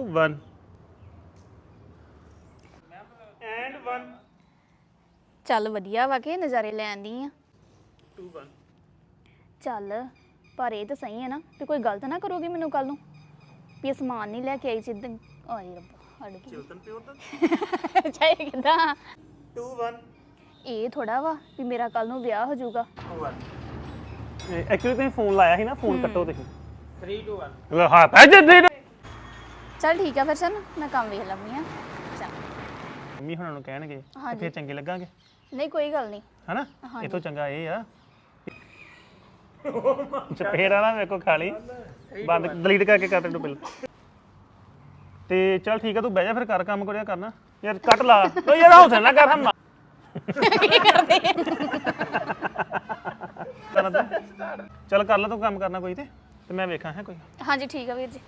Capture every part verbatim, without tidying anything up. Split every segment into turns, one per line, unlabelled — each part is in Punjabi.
one and one
ਚੱਲ ਵਧੀਆ ਵਾ ਕਿ ਨਜ਼ਾਰੇ ਲੈਂਦੀ ਆ
two one
ਚੱਲ ਪਰ ਇਹ ਤਾਂ ਸਹੀ ਹੈ ਨਾ ਤੇ ਕੋਈ ਗਲਤ ਨਾ ਕਰੋਗੇ ਮੈਨੂੰ ਕੱਲ ਨੂੰ ਵੀ ਇਹ ਸਮਾਨ ਨਹੀਂ ਲੈ ਕੇ ਆਈ ਸਿੱਧਾ ਆਏ ਰੱਬਾ ਹੜ ਗਈ
ਚਿਲਤਨ ਪਿਓਰ ਦਾ
ਚਾਹੇ ਕਿਦਾਂ
two one
ਇਹ ਥੋੜਾ ਵਾ ਵੀ ਮੇਰਾ ਕੱਲ ਨੂੰ ਵਿਆਹ ਹੋ ਜਾਊਗਾ
two one ਐਕਚੁਅਲੀ ਤੁਸੀਂ ਫੋਨ ਲਾਇਆ ਸੀ ਨਾ ਫੋਨ ਕੱਟੋ ਤੁਸੀਂ
three two one
ਲੈ ਹਾਂ ਪੈ ਜੇ ਦੇ
ਚੱਲ ਠੀਕ ਆ ਫਿਰ ਚੱਲ ਮੈਂ ਕੰਮ ਵੇਖ ਲਵਾਂਗੀ ਆ ਚੱਲ
ਮੰਮੀ ਹੁਣਾਂ ਨੂੰ ਕਹਿਣਗੇ ਤੇ
ਹਾਂਜੀ।
ਫਿਰ ਚੰਗੇ ਲੱਗਾਂਗੇ
ਨਹੀਂ ਕੋਈ ਗੱਲ ਨਹੀਂ
ਹਨਾ ਇਹ ਤੋਂ ਚੰਗਾ ਇਹ ਆ ਚਪੇੜਾ ਨਾ ਮੇਰੇ ਕੋ ਖਾ ਲਈ ਬੰਦ ਡਿਲੀਟ ਕਰਕੇ ਕਰ ਦੇ ਪਹਿਲਾਂ ਤੇ ਚੱਲ ਠੀਕ ਆ ਤੂੰ ਬਹਿ ਜਾ ਫਿਰ ਕਰ ਕੰਮ ਕਰਿਆ ਕਰਨਾ ਯਾਰ ਕੱਟ ਲਾ ਓ ਯਾਰ ਹੌਸਲਾ ਨਾ ਕਰ ਹਮ ਚੱਲ ਕਰ ਲੈ ਤੂੰ ਕੰਮ ਕਰਨਾ ਕੋਈ ਤੇ ਤੇ ਮੈਂ ਵੇਖਾਂ ਹੈ ਕੋਈ
ਹਾਂਜੀ ਠੀਕ ਆ ਵੀਰ ਜੀ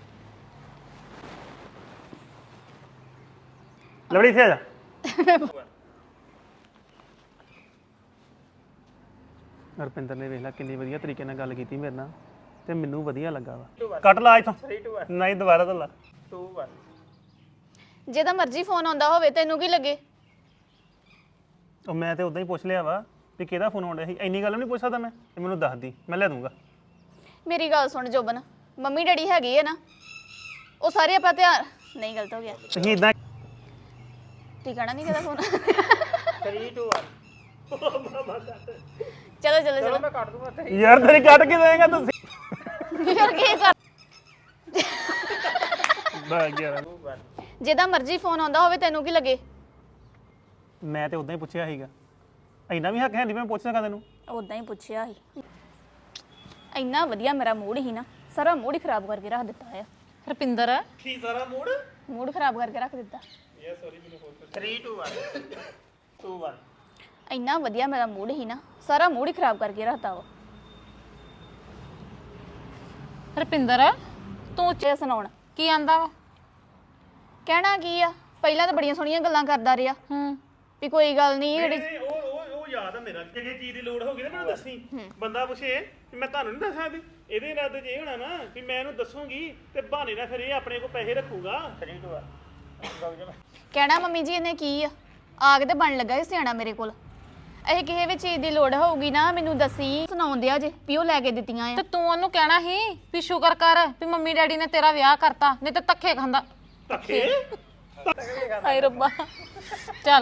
ਲਵੜੀ ਇੱਥੇ ਆ ਜਾ ਰੁਪਿੰਦਰ ਨੇ ਵੇਖ ਲਾ ਕਿੰਨੀ ਵਧੀਆ ਤਰੀਕੇ ਨਾਲ ਗੱਲ ਕੀਤੀ ਮੇਰੇ ਨਾਲ ਤੇ ਮੈਨੂੰ ਵਧੀਆ ਲੱਗਾ ਵਾ ਕੱਟ ਲਾ ਇੱਥੋਂ ਨਹੀਂ ਦੁਬਾਰਾ ਤੋਂ ਲਾ
two one
ਜਿਹਦਾ ਮਰਜ਼ੀ ਫੋਨ ਆਉਂਦਾ ਹੋਵੇ ਤੈਨੂੰ ਕੀ ਲੱਗੇ
ਉਹ ਮੈਂ ਤੇ ਉਦਾਂ ਹੀ ਪੁੱਛ ਲਿਆ ਵਾ ਵੀ ਕਿਹਦਾ ਫੋਨ ਆਉਂਦਾ ਸੀ ਇੰਨੀ ਗੱਲ ਨਹੀਂ ਪੁੱਛ ਸਕਦਾ ਮੈਂ ਤੇ ਮੈਨੂੰ ਦੱਸ ਦੀ ਮੈਂ ਲੈ ਦੂੰਗਾ
ਮੇਰੀ ਗੱਲ ਸੁਣ ਜੋਬਨ ਮੰਮੀ ਡੈਡੀ ਹੈਗੇ ਆ ਨਾ ਉਹ ਸਾਰੇ ਆਪਾਂ ਧਿਆਨ ਨਹੀਂ ਗਲਤ ਹੋ ਗਿਆ
ਤੁਸੀਂ ਇਦਾਂ
ਟਿਕਾਣਾ ਨਹੀਂ ਕਿਹਦਾ ਫੋਨ
three two one
ਚਲੋ ਚਲੋ ਚਲੋ
ਮੈਂ ਕੱਟ ਦੂੰਗਾ three
ਯਾਰ ਤੇਰੀ ਕੱਟ ਕੇ ਦੇਗਾ ਤੁਸੀਂ
ਯਾਰ ਕੀ ਕਰ
ਬਾ ਗਿਆ
two one
ਜਿਹਦਾ ਮਰਜ਼ੀ ਫੋਨ ਆਉਂਦਾ ਹੋਵੇ ਤੈਨੂੰ ਕੀ ਲੱਗੇ
ਮੈਂ ਤੇ ਉਦਾਂ ਹੀ ਪੁੱਛਿਆ ਸੀਗਾ ਇੰਨਾ ਵੀ ਹੱਕ ਹੈ ਨਹੀਂ ਮੈਂ ਪੁੱਛ ਸਕਾਂ ਤੈਨੂੰ
ਉਦਾਂ ਹੀ ਪੁੱਛਿਆ ਸੀ ਇੰਨਾ ਵਧੀਆ ਮੇਰਾ ਮੂਡ ਹੀ ਨਾ ਸਾਰਾ ਮੂਡ ਹੀ ਖਰਾਬ ਕਰਕੇ ਰੱਖ ਦਿੱਤਾ ਆ ਰਪਿੰਦਰ
ਕੀ ਸਾਰਾ ਮੂਡ
ਮੂਡ ਖਰਾਬ ਕਰਕੇ ਰੱਖ ਦਿੱਤਾ
ਯਾਰ ਸੌਰੀ ਮੈਨੂੰ ਹੋਰ
three two one two one
ਇੰਨਾ ਵਧੀਆ ਮੇਰਾ ਮੂਡ ਹੀ ਨਾ ਸਾਰਾ ਮੂਡ ਹੀ ਖਰਾਬ ਕਰਕੇ ਰੱਖਤਾ ਵਾ
ਰਪਿੰਦਰ
ਤੂੰ ਚੇ ਸੁਣਾਉਣ
ਕੀ ਆਂਦਾ ਵਾ
ਕਹਿਣਾ ਕੀ ਆ ਪਹਿਲਾਂ ਤਾਂ ਬੜੀਆਂ ਸੋਹਣੀਆਂ ਗੱਲਾਂ ਕਰਦਾ ਰਿਹਾ
ਹੂੰ
ਵੀ ਕੋਈ ਗੱਲ ਨਹੀਂ ਜਿਹੜੀ
ਨਹੀਂ ਉਹ ਉਹ ਉਹ ਯਾਦ ਆ ਮੇਰਾ ਕਿ ਜੇ ਚੀਜ਼ ਦੀ ਲੋੜ ਹੋਗੀ ਨਾ ਮੈਨੂੰ ਦੱਸੀ ਬੰਦਾ ਪੁੱਛੇ ਵੀ ਮੈਂ ਤੁਹਾਨੂੰ ਨਹੀਂ ਦੱਸ ਸਕਦੀ ਇਹਦੇ ਇਰਾਦੇ 'ਚ ਇਹ ਹੋਣਾ ਨਾ ਵੀ ਮੈਂ ਇਹਨੂੰ ਦੱਸੂਗੀ ਤੇ ਬਹਾਨੇ ਨਾਲ ਫਿਰ ਇਹ ਆਪਣੇ ਕੋਲ ਪੈਸੇ ਰੱਖੂਗਾ
three two one
ਕਹਿਣਾ ਮੰਮੀ ਜੀ ਇਹਨੇ ਕੀ ਆ ਆਗ ਤੇ ਬਣ ਲੱਗਾ ਸੀ ਸਿਆਣਾ ਮੇਰੇ ਕੋਲ ਇਹ ਕਿਸੇ ਵੀ ਚੀਜ਼ ਦੀ ਲੋੜ ਹੋਊਗੀ ਨਾ ਮੈਨੂੰ ਦੱਸੀ ਸੁਣਾਉਂਦੇ ਆ ਜੇ ਵੀ ਉਹ ਲੈ ਕੇ ਦਿੱਤੀਆਂ ਆ
ਤੇ ਤੂੰ ਉਹਨੂੰ ਕਹਿਣਾ ਸੀ ਵੀ ਸ਼ੁਕਰ ਕਰ ਵੀ ਮੰਮੀ ਡੈਡੀ ਨੇ ਤੇਰਾ ਵਿਆਹ ਕਰਤਾ ਨਹੀਂ ਤੇ ਧੱਕੇ ਖਾਂਦਾ
ਧੱਕੇ
ਹਾਏ ਰੱਬਾ ਚੱਲ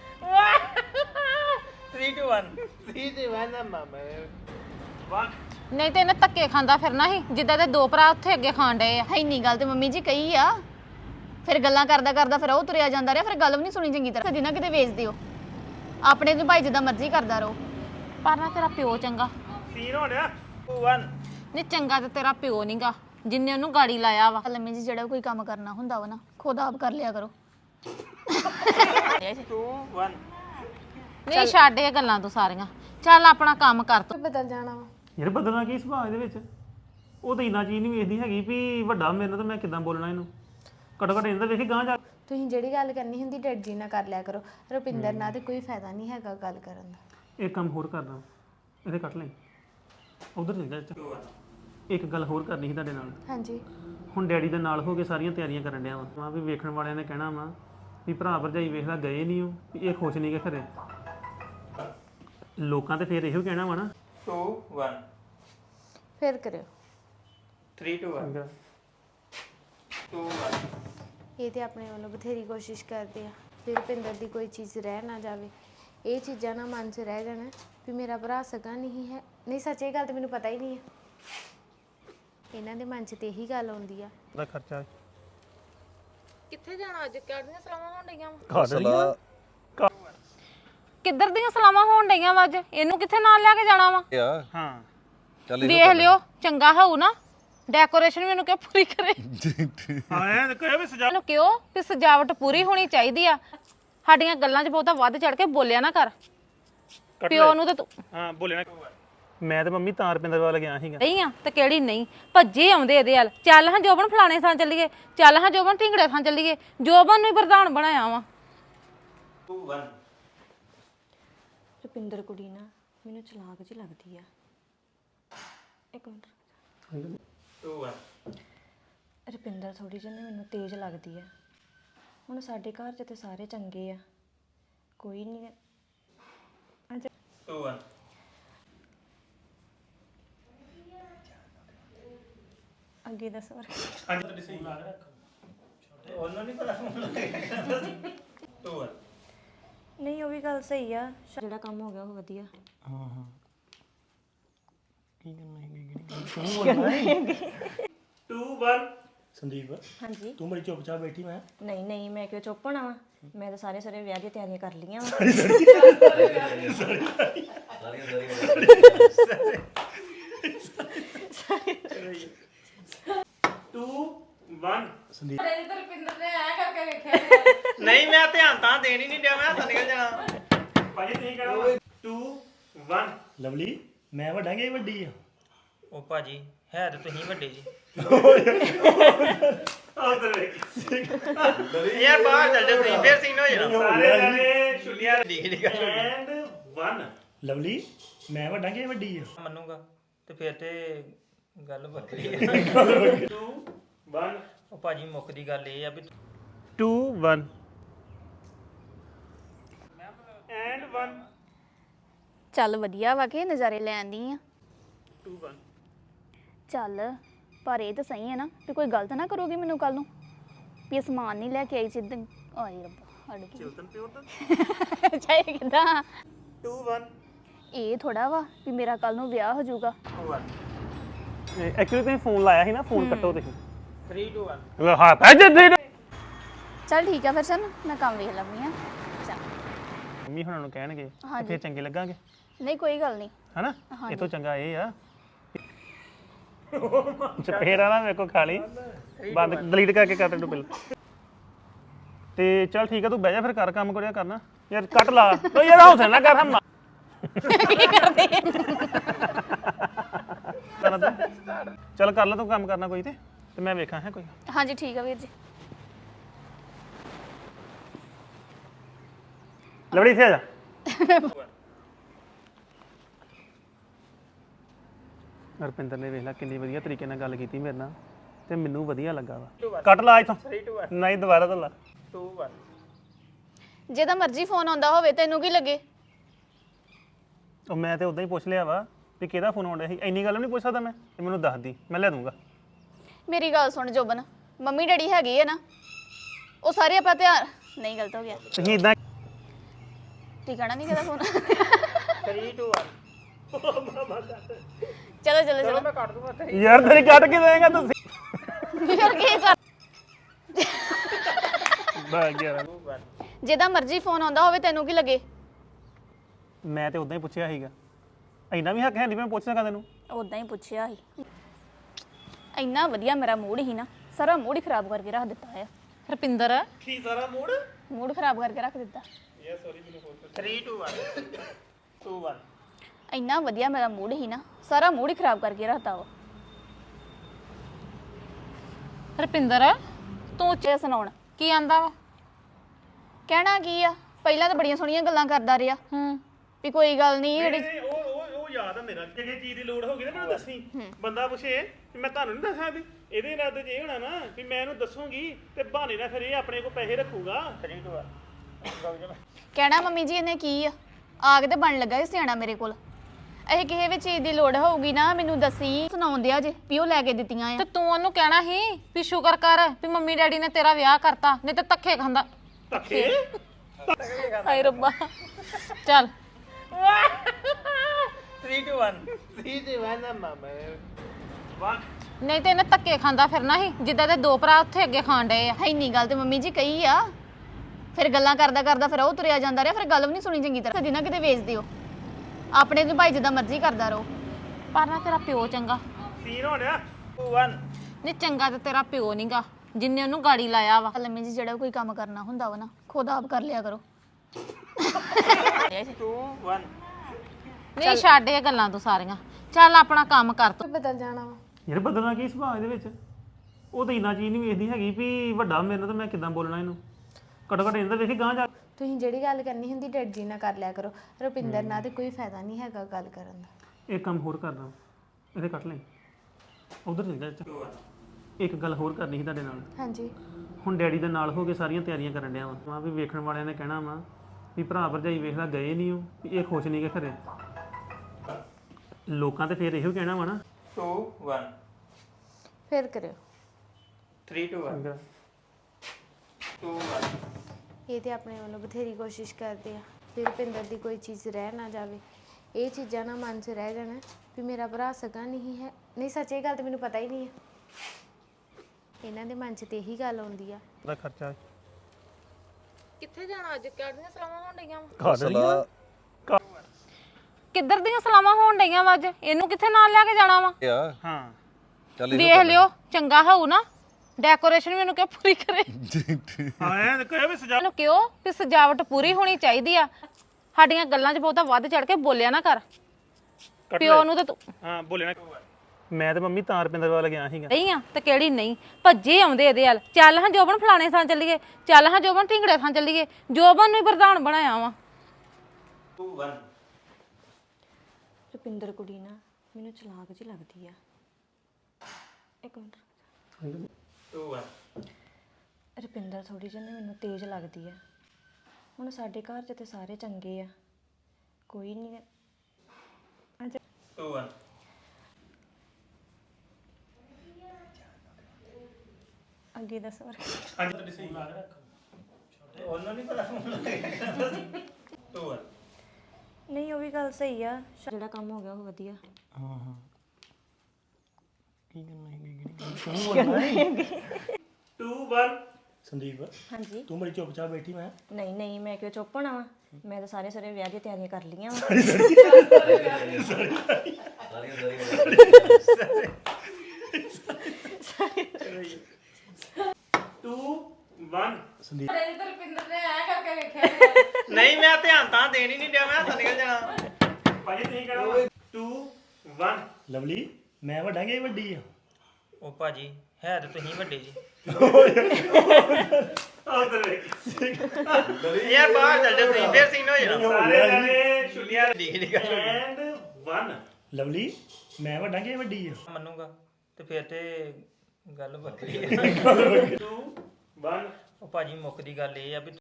three two one three two one ਨਾ ਮਾਮਾ one
ਨਹੀਂ ਤੇ ਇਹਨੇ ਧੱਕੇ ਖਾਂਦਾ ਫਿਰਨਾ ਸੀ ਜਿੱਦਾਂ ਦੇ ਦੋ ਭਰਾ ਉੱਥੇ ਅੱਗੇ ਖਾਣ ਡਏ ਆ
ਇੰਨੀ ਗੱਲ ਤੇ ਮੰਮੀ ਜੀ ਕਹੀ ਆ ਫਿਰ ਗੱਲਾਂ ਕਰਦਾ ਕਰਦਾ ਫਿਰ ਉਹ ਤੁਰਿਆ ਜਾਂਦਾ ਰਿਹਾ ਫਿਰ ਗੱਲ ਵੀ ਨਹੀਂ ਸੁਣੀ ਚੰਗੀ ਤਰ੍ਹਾਂ ਕਦੀ ਨਾ ਕਿਤੇ ਵੇਚ ਦਿਓ ਆਪਣੇ ਨੂੰ ਭਾਈ ਜਿੱਦਾਂ ਮਰਜ਼ੀ ਕਰਦਾ ਰਹੋ
ਪਰ ਨਾ ਤੇਰਾ ਪਿਓ ਚੰਗਾ
ਸੀਨ ਹੋ ਰਿਹਾ
two one
ਨਹੀਂ ਚੰਗਾ ਤੇ ਤੇਰਾ ਪਿਓ ਨਹੀਂਗਾ ਜਿੰਨੇ ਉਹਨੂੰ ਗਾੜੀ ਲਾਇਆ ਵਾ
ਲੰਮੀ ਜੀ ਜਿਹੜਾ ਕੋਈ ਕੰਮ ਕਰਨਾ ਹੁੰਦਾ ਵਾ ਨਾ ਖੁਦ ਆਪ ਕਰ ਲਿਆ ਕਰੋ
two one
ਨਹੀਂ ਛੱਡ ਇਹ ਗੱਲਾਂ ਤੂੰ ਸਾਰੀਆਂ ਚੱਲ ਆਪਣਾ ਕੰਮ ਕਰ ਤੂੰ
ਬਦਲ ਜਾਣਾ ਵਾ
ਯਾਰ ਬਦਲਣਾ ਕੀ ਸੁਭਾਅ ਇਹਦੇ ਵਿੱਚ ਉਹ ਤਾਂ ਇੰਨਾ ਚੀਜ਼ ਨਹੀਂ ਵੇਖਦੀ ਹੈਗੀ ਵੀ ਵੱਡਾ ਮੇਰੇ ਨਾਲ ਤਾਂ ਮੈਂ ਕਿੱਦਾਂ ਬੋਲਣਾ ਇਹਨੂੰ ਘੱਟੋ ਘੱਟ ਇਹਦਾ ਵੇਖੀ ਗਾਂ ਜਾ
ਤੁਸੀਂ ਜਿਹੜੀ ਗੱਲ ਕਰਨੀ ਹੁੰਦੀ ਡੈਡ ਜੀ ਨਾਲ ਕਰ ਲਿਆ ਕਰੋ ਰੁਪਿੰਦਰ ਨਾਲ ਤੇ ਕੋਈ ਫਾਇਦਾ ਨਹੀਂ ਹੈਗਾ ਗੱਲ ਕਰਨ ਦਾ
ਇੱਕ ਕੰਮ ਹੋਰ ਕਰਨਾ ਇਹਦੇ ਕੱਟ ਲੈ ਉਧਰ ਚਲ ਜਾ ਚੱਲ। ਇੱਕ ਗੱਲ ਹੋਰ ਕਰਨੀ ਸੀ ਤੁਹਾਡੇ ਨਾਲ
ਹਾਂਜੀ
ਹੁਣ ਡੈਡੀ ਦੇ ਨਾਲ ਹੋ ਕੇ ਸਾਰੀਆਂ ਤਿਆਰੀਆਂ ਕਰਨ ਡਿਆ ਵਾ ਵੀ ਵੇਖਣ ਵਾਲਿਆਂ ਨੇ ਕਹਿਣਾ ਵਾ ਵੀ ਭਰਾ ਭਰਜਾਈ ਵੇਖਦਾ ਗਏ ਨਹੀਂ ਉਹ ਵੀ ਇਹ ਖੁਸ਼ ਨਹੀਂ ਗੇ ਘਰੇ ਲੋਕਾਂ ਤੇ ਫੇਰ ਇਹੋ ਕਹਿਣਾ ਵਾ ਨਾ
two one
ਫਿਰ ਕਰਿਓ
three two one two one
ਇਹ ਤੇ ਆਪਣੇ ਵੱਲੋਂ ਬਥੇਰੀ ਕੋਸ਼ਿਸ਼ ਕਰਦੇ ਆ ਫਿਰ ਰੁਪਿੰਦਰ ਦੀ ਕੋਈ ਚੀਜ਼ ਰਹਿ ਨਾ ਜਾਵੇ ਇਹ ਚੀਜ਼ਾਂ ਨਾ ਮਨ 'ਚ ਰਹਿ ਜਾਣਾ ਵੀ ਮੇਰਾ ਭਰਾ ਸਗਾ ਨਹੀਂ ਹੈ ਨਹੀਂ ਸੱਚ ਇਹ ਗੱਲ ਤੇ ਮੈਨੂੰ ਪਤਾ ਹੀ ਨਹੀਂ ਹੈ ਇਹਨਾਂ ਦੇ ਮਨ 'ਚ ਤੇ ਇਹੀ ਗੱਲ ਆਉਂਦੀ ਆ
ਦਾ ਖਰਚਾ
ਕਿੱਥੇ ਜਾਣਾ ਅੱਜ ਕਿਹੜੀਆਂ ਸਲਾਮਾਂ ਹੋਣ ਡਈਆਂ ਵਾ
ਘਰ
ਕਿੱਧਰ ਦੀਆਂ ਸਲਾਮਾਂ ਹੋਣ ਡਈਆਂ ਵਾ ਅੱਜ ਇਹਨੂੰ ਕਿੱਥੇ ਨਾਲ ਲੈ ਕੇ ਜਾਣਾ ਵਾ
ਆ
ਹਾਂ
ਚੱਲ
ਵੇਖ ਲਿਓ ਚੰਗਾ ਹੋਊ ਨਾ ਡੈਕੋਰੇਸ਼ਨ ਮੈਨੂੰ ਕਿਹਾ ਪੂਰੀ ਕਰੇ
ਹਾਂ ਇਹ ਕਹੇ ਵੀ ਸਜਾ
ਇਹਨੂੰ ਕਿਉਂ ਵੀ ਸਜਾਵਟ ਪੂਰੀ ਹੋਣੀ ਚਾਹੀਦੀ ਆ ਸਾਡੀਆਂ ਗੱਲਾਂ 'ਚ ਬਹੁਤਾ ਵੱਧ ਚੜ ਕੇ ਬੋਲਿਆ ਨਾ ਕਰ ਪਿਓ ਨੂੰ ਤਾਂ ਤੂੰ
ਹਾਂ ਬੋਲੇ ਨਾ ਮੈਂ ਤੇ ਮੰਮੀ ਤਾਂ ਰਪਿੰਦਰ ਵੱਲ ਗਿਆ ਸੀਗਾ
ਨਹੀਂ ਆ ਤੇ ਕਿਹੜੀ ਨਹੀਂ ਭੱਜੇ ਆਉਂਦੇ ਇਹਦੇ ਵੱਲ ਚੱਲ ਹਾਂ ਜੋਬਨ ਫਲਾਣੇ ਥਾਂ ਚੱਲੀਏ ਚੱਲ ਹਾਂ ਜੋਬਨ ਢਿੰਗੜੇ ਥਾਂ ਚੱਲੀਏ ਜੋਬਨ ਨੂੰ ਹੀ ਪ੍ਰਧਾਨ ਬਣਾਇਆ ਵਾ
two one
ਰੁਪਿੰਦਰ ਕੁੜੀ ਨਾ ਮੈਨੂੰ ਚਲਾਕ ਜਿਹੀ ਲੱਗਦੀ ਆ ਇੱਕ ਮਿੰਟ
two one
ਰੁਪਿੰਦਰ ਥੋੜੀ ਜਿਹੀ ਨਾ ਮੈਨੂੰ ਤੇਜ਼ ਲੱਗਦੀ ਆ। ਹੁਣ ਸਾਡੇ ਘਰ 'ਚ ਤੇ ਸਾਰੇ ਚੰਗੇ ਆ, ਕੋਈ ਨਹੀਂ।
ਟੂ ਵਨ
ਅੱਗੇ ਦੱਸੋ।
ਹਾਂਜੀ ਤੁਹਾਡੀ ਸਹੀ ਲਾ ਰੱਖੋ ਉਹਨਾਂ ਨਹੀਂ ਪਤਾ ਟੂ ਵਨ
ਨਹੀਂ ਉਹ ਵੀ ਗੱਲ ਸਹੀ ਆ, ਜਿਹੜਾ ਕੰਮ ਹੋ ਗਿਆ ਉਹ ਵਧੀਆ।
ਹਾਂ ਹਾਂ ਕੀ ਕਰਨਾ ਹੈ
ਟੂ ਵਨ
ਸੰਦੀਪ
ਹਾਂਜੀ।
ਤੂੰ ਬੜੀ ਚੁੱਪਚਾਪ ਬੈਠੀ ਮੈਂ
ਨਹੀਂ ਨਹੀਂ ਮੈਂ ਕਿਉਂ ਚੁੱਪ ਹੋਣਾ ਵਾ, ਮੈਂ ਤਾਂ ਸਾਰੇ ਸਾਰੇ ਵਿਆਹ ਦੀਆਂ ਤਿਆਰੀਆਂ ਕਰ ਲਈਆਂ ਵਾ।
ਟੂ ਵਨ
ਸੰਦੀਪ
ਨਹੀਂ ਮੈਂ ਧਿਆਨ ਤਾਂ ਦੇਣ ਹੀ ਨਹੀਂ ਡਿਆ, ਮੈਂ ਹੱਥ ਨਿਕਲ ਜਾਣਾ।
ਭਾਜੀ ਤੁਸੀਂ ਕਹਿਣਾ ਟੂ ਵਨ
ਲਵਲੀ ਮੈਂ ਵੱਡਾ ਕਿ ਇਹ ਵੱਡੀ ਆ?
ਉਹ ਭਾਜੀ ਹੈ ਤੇ ਤੁਸੀਂ ਵੱਡੇ ਜੀ। ਯਾਰ ਬਾਹਰ ਚੱਲ ਜਾ ਤੁਸੀਂ, ਫੇਰ ਸੀਨ ਹੋ ਜਾਣਾ।
ਸਾਰੇ ਜਣੇ ਛੁੱਟੀਆਂ
ਲਿਖ ਲਿਖ
ਐਂਡ ਵਨ
ਲਵਲੀ ਮੈਂ ਵੱਡਾ ਕਿ ਇਹ ਵੱਡੀ ਆ?
ਮੰਨੂਗਾ ਤੇ ਫਿਰ ਤੇ ਗੱਲ ਵੱਖਰੀ ਹੈ।
ਟੂ ਵਨ
ਉਹ ਭਾਜੀ ਮੁੱਖ ਦੀ ਗੱਲ ਇਹ ਆ ਵੀ
ਟੂ ਵਨ ਐਂਡ ਵਨ
ਚੱਲ ਵਧੀਆ ਵਾ ਕਿ ਨਜ਼ਾਰੇ ਲੈ ਆਂਦੀ ਆ।
ਟੂ ਵਨ
ਚੱਲ ਪਰ ਇਹ ਤਾਂ ਸਹੀ ਹੈ ਨਾ ਵੀ ਕੋਈ ਗਲਤ ਨਾ ਕਰੋਗੀ ਮੈਨੂੰ ਕੱਲ ਨੂੰ ਵੀ ਇਹ ਸਮਾਨ ਨਹੀਂ ਲੈ ਕੇ ਆਈ ਸਿੱਧ ਆਈ ਰੱਬਾ ਹੜ ਗਈ
ਚਿਲਤਨ ਪਿਓਰ ਦਾ
ਚਾਹੇ ਕਿਦਾਂ
ਟੂ ਵਨ
ਇਹ ਥੋੜਾ ਵਾ ਵੀ ਮੇਰਾ ਕੱਲ ਨੂੰ ਵਿਆਹ ਹੋ ਜਾਊਗਾ।
ਟੂ ਵਨ ਐਕਚੁਅਲੀ ਤੁਸੀਂ ਫੋਨ ਲਾਇਆ ਸੀ ਨਾ, ਫੋਨ ਕੱਟੋ ਤੁਸੀਂ
ਥ੍ਰੀ ਟੂ ਵਨ
ਹਾਂ ਭੱਜ ਦੇ
ਚੱਲ ਠੀਕ ਆ ਫਿਰ ਚੱਲ ਮੈਂ ਕੰਮ ਵੇਖ ਲਵਾਂਗੀ ਆ ਚੱਲ
ਮੰਮੀ ਹੁਣਾਂ ਨੂੰ ਕਹਿਣਗੇ ਤੇ
ਹਾਂਜੀ।
ਫਿਰ ਚੰਗੇ ਲੱਗਾਂਗੇ
ਨਹੀਂ ਕੋਈ ਗੱਲ ਨਹੀਂ
ਹਨਾ ਇਹ ਤੋਂ ਚੰਗਾ ਇਹ ਆ ਚਪੇੜਾ ਨਾ ਮੇਰੇ ਕੋ ਖਾ ਲਈ ਬੰਦ ਡਿਲੀਟ ਕਰਕੇ ਕਰ ਦੇ ਪਹਿਲਾਂ ਤੇ ਚੱਲ ਠੀਕ ਆ ਤੂੰ ਬਹਿ ਜਾ ਫਿਰ ਕਰ ਕੰਮ ਕਰਿਆ ਕਰਨਾ ਯਾਰ ਕੱਟ ਲਾ ਓ ਯਾਰ ਹੌਸਲਾ ਨਾ ਕਰ ਹਮ ਚੱਲ ਕਰ ਲੈ ਤੂੰ ਕੰਮ ਕਰਨਾ ਕੋਈ ਤੇ ਤੇ ਮੈਂ ਵੇਖਾਂ ਹੈ ਕੋਈ
ਹਾਂਜੀ ਠੀਕ ਆ ਵੀਰ ਜੀ।
ਲਵੜੀ ਇੱਥੇ ਆ ਜਾ ਰੁਪਿੰਦਰ ਨੇ ਵੇਖ ਲਾ ਕਿੰਨੀ ਵਧੀਆ ਤਰੀਕੇ ਨਾਲ ਗੱਲ ਕੀਤੀ ਮੇਰੇ ਨਾਲ ਤੇ ਮੈਨੂੰ ਵਧੀਆ ਲੱਗਾ ਵਾ ਕੱਟ ਲਾ ਇੱਥੋਂ ਨਹੀਂ ਦੁਬਾਰਾ ਤੋਂ ਲਾ
ਟੂ ਵਨ
ਜਿਹਦਾ ਮਰਜ਼ੀ ਫੋਨ ਆਉਂਦਾ ਹੋਵੇ ਤੈਨੂੰ ਕੀ ਲੱਗੇ?
ਉਹ ਮੈਂ ਤੇ ਉਦਾਂ ਹੀ ਪੁੱਛ ਲਿਆ ਵਾ ਵੀ ਕਿਹਦਾ ਫੋਨ ਆਉਂਦਾ ਸੀ ਇੰਨੀ ਗੱਲ ਨਹੀਂ ਪੁੱਛ ਸਕਦਾ ਮੈਂ ਤੇ ਮੈਨੂੰ ਦੱਸ ਦੀ ਮੈਂ ਲੈ ਦੂੰਗਾ।
ਮੇਰੀ ਗੱਲ ਸੁਣ ਜੋਬਨ, ਮੰਮੀ ਡੈਡੀ ਹੈਗੇ ਆ ਨਾ, ਉਹ ਸਾਰੇ ਆਪਾਂ ਧਿਆਨ ਨਹੀਂ ਗਲਤ ਹੋ ਗਿਆ
ਤੁਸੀਂ ਇਦਾਂ
ਟਿਕਾਣਾ ਨਹੀਂ ਕਿਹਦਾ ਫੋਨ
ਥ੍ਰੀ ਟੂ ਵਨ
ਚਲੋ ਚਲੋ ਚਲੋ
ਮੈਂ ਕੱਟ ਦੂੰਗਾ।
ਯਾਰ ਤੇਰੀ ਕੱਟ ਕੇ ਦੇਗਾ ਤੁਸੀਂ
ਯਾਰ ਕੀ ਕਰ
ਬਾ ਗਿਆ
ਟੂ ਵਨ
ਜਿਹਦਾ ਮਰਜ਼ੀ ਫੋਨ ਆਉਂਦਾ ਹੋਵੇ ਤੈਨੂੰ ਕੀ ਲੱਗੇ?
ਮੈਂ ਤੇ ਉਦਾਂ ਹੀ ਪੁੱਛਿਆ ਸੀਗਾ ਇੰਨਾ ਵੀ ਹੱਕ ਹੈ ਨਹੀਂ ਮੈਂ ਪੁੱਛ ਸਕਾਂ ਤੈਨੂੰ
ਉਦਾਂ ਹੀ ਪੁੱਛਿਆ ਸੀ। ਇੰਨਾ ਵਧੀਆ ਮੇਰਾ ਮੂਡ ਹੀ ਨਾ, ਸਾਰਾ ਮੂਡ ਹੀ ਖਰਾਬ ਕਰਕੇ ਰੱਖ ਦਿੱਤਾ ਆ।
ਰੁਪਿੰਦਰ
ਕੀ ਸਾਰਾ ਮੂਡ
ਮੂਡ ਖਰਾਬ ਕਰਕੇ ਰੱਖ ਦਿੱਤਾ।
ਯਾਰ ਸੌਰੀ ਮੈਨੂੰ ਹੋਰ
three two one
two one
ਇੰਨਾ ਵਧੀਆ ਮੇਰਾ ਮੂਡ ਹੀ ਨਾ, ਸਾਰਾ ਮੂਡ ਹੀ ਖਰਾਬ ਕਰਕੇ ਰੱਖਤਾ ਵਾ।
ਰੁਪਿੰਦਰ ਤੂੰ
ਚੇ ਸੁਣਾਉਣ
ਕੀ ਆਂਦਾ ਵਾ?
ਕਹਿਣਾ ਕੀ ਆ, ਪਹਿਲਾਂ ਤਾਂ ਬੜੀਆਂ ਸੋਹਣੀਆਂ ਗੱਲਾਂ ਕਰਦਾ ਰਿਹਾ
ਹੂੰ
ਵੀ ਕੋਈ ਗੱਲ ਨਹੀਂ ਜਿਹੜੀ
ਨਹੀਂ ਉਹ ਉਹ ਉਹ ਯਾਦ ਆ ਮੇਰਾ ਕਿਸੇ ਚੀਜ਼ ਦੀ ਲੋੜ ਹੋਗੀ ਨਾ ਮੈਨੂੰ ਦੱਸੀ ਬੰਦਾ ਪੁੱਛੇ ਵੀ ਮੈਂ ਤੁਹਾਨੂੰ ਨਹੀਂ ਦੱਸਾਂ ਵੀ ਇਹਦੇ ਨਾਲ ਤੇ ਇਹ ਹੋਣਾ ਨਾ ਵੀ ਮੈਂ ਇਹਨੂੰ ਦੱਸੂਗੀ ਤੇ ਬਹਾਨੇ ਨਾਲ ਫਿਰ ਇਹ ਆਪਣੇ ਕੋਲ ਪੈਸੇ ਰੱਖੂਗਾ।
ਥ੍ਰੀ ਟੂ ਵਨ
ਕਹਿਣਾ ਮੰਮੀ ਜੀ ਇਹਨੇ ਕੀ ਆ, ਆ ਕੇ ਤੇ ਬਣ ਲੱਗਾ ਸੀ ਸਿਆਣਾ ਮੇਰੇ ਕੋਲ। ਇਹ ਕਿਸੇ ਵੀ ਚੀਜ਼ ਦੀ ਲੋੜ ਹੋਊਗੀ ਨਾ ਮੈਨੂੰ ਦੱਸੀ, ਸੁਣਾਉਂਦੇ ਆ ਜੇ ਵੀ ਉਹ ਲੈ ਕੇ ਦਿੱਤੀਆਂ ਆ।
ਤੇ ਤੂੰ ਉਹਨੂੰ ਕਹਿਣਾ ਸੀ ਵੀ ਸ਼ੁਕਰ ਕਰ ਵੀ ਮੰਮੀ ਡੈਡੀ ਨੇ ਤੇਰਾ ਵਿਆਹ ਕਰਤਾ, ਨਹੀਂ ਤੇ ਧੱਕੇ ਖਾਂਦਾ।
ਧੱਕੇ
ਹਾਏ ਰੱਬਾ ਚੱਲ
ਥ੍ਰੀ ਟੂ ਵਨ
ਥ੍ਰੀ ਤੇ ਵਨ ਮਾਮਾ
ਵਨ
ਨਹੀਂ ਤੇ ਇਹਨੇ ਧੱਕੇ ਖਾਂਦਾ ਫਿਰਨਾ ਸੀ ਜਿੱਦਾਂ ਦੇ ਦੋ ਭਰਾ ਉੱਥੇ ਅੱਗੇ ਖਾਣ ਡਏ ਆ।
ਇੰਨੀ ਗੱਲ ਤੇ ਮੰਮੀ ਜੀ ਕਹੀ ਆ, ਫਿਰ ਗੱਲਾਂ ਕਰਦਾ ਕਰਦਾ ਫਿਰ ਉਹ ਤੁਰਿਆ ਜਾਂਦਾ ਰਿਹਾ, ਫਿਰ ਗੱਲ ਵੀ ਨਹੀਂ ਸੁਣੀ ਚੰਗੀ ਤਰ੍ਹਾਂ। ਕਦੀ ਨਾ ਕਿਤੇ ਵੇਚ ਦਿਓ, ਆਪਣੇ ਨੂੰ ਭਾਈ ਜਿੱਦਾਂ ਮਰਜ਼ੀ ਕਰਦਾ ਰਹੋ।
ਪਰ ਨਾ ਤੇਰਾ ਪਿਓ ਚੰਗਾ
ਸੀਨ ਹੋ ਰਿਹਾ
ਟੂ ਵਨ
ਨਹੀਂ, ਚੰਗਾ ਤੇ ਤੇਰਾ ਪਿਓ ਨਹੀਂਗਾ ਜਿੰਨੇ ਉਹਨੂੰ ਗਾੜੀ ਲਾਇਆ ਵਾ।
ਲੰਮੀ ਜੀ ਜਿਹੜਾ ਕੋਈ ਕੰਮ ਕਰਨਾ ਹੁੰਦਾ ਵਾ ਨਾ ਖੁਦ ਆਪ ਕਰ ਲਿਆ ਕਰੋ।
ਟੂ ਵਨ
ਨਹੀਂ ਛੱਡ ਇਹ ਗੱਲਾਂ ਤੂੰ ਸਾਰੀਆਂ, ਚੱਲ ਆਪਣਾ ਕੰਮ ਕਰ ਤੂੰ।
ਬਦਲ ਜਾਣਾ ਵਾ।
ਯਾਰ ਬਦਲਣਾ ਕੀ ਸੁਭਾਅ ਇਹਦੇ ਵਿੱਚ? ਉਹ ਤਾਂ ਇੰਨਾ ਚੀਜ਼ ਨਹੀਂ ਵੇਖਦੀ ਹੈਗੀ ਵੀ ਵੱਡਾ ਮੇਰੇ ਨਾਲ ਤਾਂ ਮੈਂ ਕਿੱਦਾਂ ਬੋਲਣਾ ਇਹਨੂੰ। ਘੱਟੋ ਘੱਟ ਇਹਦਾ ਵੇਖੀ ਗਾਂ ਜਾ
ਤੁਸੀਂ ਜਿਹੜੀ ਗੱਲ ਕਰਨੀ ਹੁੰਦੀ ਡੈਡ ਜੀ ਨਾਲ ਕਰ ਲਿਆ ਕਰੋ, ਰੁਪਿੰਦਰ ਨਾਲ ਤੇ ਕੋਈ ਫਾਇਦਾ ਨਹੀਂ ਹੈਗਾ ਗੱਲ ਕਰਨ ਦਾ।
ਇਹ ਕੰਮ ਹੋਰ ਕਰਨਾ ਇਹਦੇ ਕੱਟ ਲੈ ਉਧਰ ਚਲ ਜਾ ਇੱਕ ਗੱਲ ਹੋਰ ਕਰਨੀ ਸੀ ਤੁਹਾਡੇ ਨਾਲ।
ਹਾਂਜੀ
ਹੁਣ ਡੈਡੀ ਦੇ ਨਾਲ ਹੋ ਕੇ ਸਾਰੀਆਂ ਤਿਆਰੀਆਂ ਕਰਨ ਡਿਆ ਵਾ ਵੀ ਵੇਖਣ ਵਾਲਿਆਂ ਨੇ ਕਹਿਣਾ ਵਾ ਵੀ ਭਰਾ ਭਰਜਾਈ ਵੇਖਦਾ ਗਏ ਨਹੀਂ ਉਹ ਵੀ ਇਹ ਖੁਸ਼ ਨਹੀਂ ਗੇ ਘਰੇ। ਲੋਕਾਂ ਤੇ ਫੇਰ ਇਹੋ ਕਹਿਣਾ ਵਾ ਨਾ।
two one
ਫਿਰ ਕਰਿਓ।
three two one two one
ਇਹ ਤੇ ਆਪਣੇ ਵੱਲੋਂ ਬਥੇਰੀ ਕੋਸ਼ਿਸ਼ ਕਰਦੇ ਆ ਵੀ ਰੁਪਿੰਦਰ ਦੀ ਕੋਈ ਚੀਜ਼ ਰਹਿ ਨਾ ਜਾਵੇ। ਇਹ ਚੀਜ਼ਾਂ ਨਾ ਮਨ 'ਚ ਰਹਿ ਜਾਣ ਵੀ ਮੇਰਾ ਭਰਾ ਸਗਾ ਨਹੀਂ ਹੈ। ਨਹੀਂ ਸੱਚ ਇਹ ਗੱਲ ਤਾਂ ਮੈਨੂੰ ਪਤਾ ਹੀ ਨਹੀਂ ਹੈ। ਇਹਨਾਂ ਦੇ ਮਨ 'ਚ ਤੇ ਇਹੀ ਗੱਲ ਆਉਂਦੀ ਆ।
ਦਾ ਖਰਚਾ
ਕਿੱਥੇ ਜਾਣਾ ਅੱਜ ਕਿਹੜੀਆਂ ਸਲਾਮਾਂ ਹੋਣ ਡਈਆਂ ਵਾ
ਘਰ
ਕਿੱਧਰ ਦੀਆਂ ਸਲਾਮਾਂ ਹੋਣ ਡਈਆਂ ਵਾ ਅੱਜ ਇਹਨੂੰ ਕਿੱਥੇ ਨਾਲ ਲੈ ਕੇ ਜਾਣਾ ਵਾ
ਆ
ਹਾਂ
ਚੱਲ
ਵੇਖ ਲਿਓ ਚੰਗਾ ਹੋਊ ਨਾ ਡੈਕੋਰੇਸ਼ਨ ਮੈਨੂੰ ਕਿਹਾ ਪੂਰੀ ਕਰੇ
ਹਾਂ ਐ ਕਹੇ ਵੀ ਸਜਾ
ਮੈਨੂੰ ਕਿਉਂ ਕਿ ਸਜਾਵਟ ਪੂਰੀ ਹੋਣੀ ਚਾਹੀਦੀ ਆ ਸਾਡੀਆਂ ਗੱਲਾਂ 'ਚ ਬਹੁਤਾ ਵੱਧ ਚੜ ਕੇ ਬੋਲਿਆ ਨਾ ਕਰ ਪਿਓ ਨੂੰ ਤਾਂ ਤੂੰ
ਹਾਂ ਬੋਲੇ ਨਾ ਮੈਂ ਤੇ ਮੰਮੀ ਤਾਂ ਰਪਿੰਦਰ ਵੱਲ ਗਿਆ ਸੀਗਾ
ਨਹੀਂ ਆ ਤੇ ਕਿਹੜੀ ਨਹੀਂ ਭੱਜੇ ਆਉਂਦੇ ਇਹਦੇ ਵੱਲ ਚੱਲ ਹਾਂ ਜੋਬਨ ਫਲਾਣੇ ਥਾਂ ਚੱਲੀਏ ਚੱਲ ਹਾਂ ਜੋਬਨ ਢਿੰਗੜੇ ਥਾਂ ਚੱਲੀਏ ਜੋਬਨ ਨੂੰ ਹੀ ਪ੍ਰਧਾਨ ਬਣਾਇਆ ਵਾ
two one
ਰੁਪਿੰਦਰ ਕੁੜੀ ਨਾ ਮੈਨੂੰ ਚਲਾਕ ਜਿਹੀ ਲੱਗਦੀ ਆ ਇੱਕ ਮਿੰਟ
two one
ਰੁਪਿੰਦਰ ਥੋੜੀ ਜਿਹੀ ਨਾ ਮੈਨੂੰ ਤੇਜ਼ ਲੱਗਦੀ ਆ ਹੁਣ ਸਾਡੇ ਘਰ 'ਚ ਤੇ ਸਾਰੇ ਚੰਗੇ ਆ ਕੋਈ ਨਹੀਂ
two one
ਅੱਗੇ ਦੱਸੋ
ਉਹਨਾਂ ਨਹੀਂ ਪਤਾ two one
ਨਹੀਂ ਉਹ ਵੀ ਗੱਲ ਸਹੀ ਆ ਜਿਹੜਾ ਕੰਮ ਹੋ ਗਿਆ ਉਹ ਵਧੀਆ
two one
ਸੰਦੀਪ
ਹਾਂਜੀ
ਤੂੰ ਬੜੀ ਚੁੱਪਚਾਪ ਬੈਠੀ ਮੈਂ
ਨਹੀਂ ਨਹੀਂ ਮੈਂ ਕਿਉਂ ਚੁੱਪ ਹੋਣਾ ਵਾ ਮੈਂ ਤਾਂ ਸਾਰੇ ਸਾਰੇ ਵਿਆਹ ਦੀਆਂ ਤਿਆਰੀਆਂ ਕਰ ਲਈਆਂ ਵਾ
two one
ਨਹੀਂ ਮੈਂ ਧਿਆਨ ਤਾਂ ਦੇਣ ਹੀ ਨਹੀਂ ਡਿਆ ਮੈਂ ਹੱਥ ਨਿਕਲ ਜਾਣਾ
ਭਾਜੀ ਤੁਸੀਂ ਕਹਿਣਾ two one
ਲਵਲੀ ਮੈਂ ਵੱਡਾ ਕਿ ਇਹ ਵੱਡੀ ਆ
ਉਹ ਭਾਜੀ ਹੈ ਤੇ ਤੁਸੀਂ ਵੱਡੇ ਜੀ ਯਾਰ ਬਾਹਰ ਚੱਲ ਜਾ ਤੁਸੀਂ ਫੇਰ ਸੀਨ ਹੋ ਜਾਣਾ
ਸਾਰੇ ਜਣੇ ਛੁੱਟੀਆਂ
ਠੀਕ ਠੀਕ ਆ
ਐਂਡ one
ਲਵਲੀ ਮੈਂ ਵੱਡਾ ਕਿ ਇਹ ਵੱਡੀ ਆ
ਮੰਨੂਗਾ ਤੇ ਫਿਰ ਤੇ ਗੱਲ ਵੱਖਰੀ ਹੈ
two one
ਉਹ ਭਾਜੀ ਮੁੱਕ ਦੀ ਗੱਲ ਇਹ ਆ ਵੀ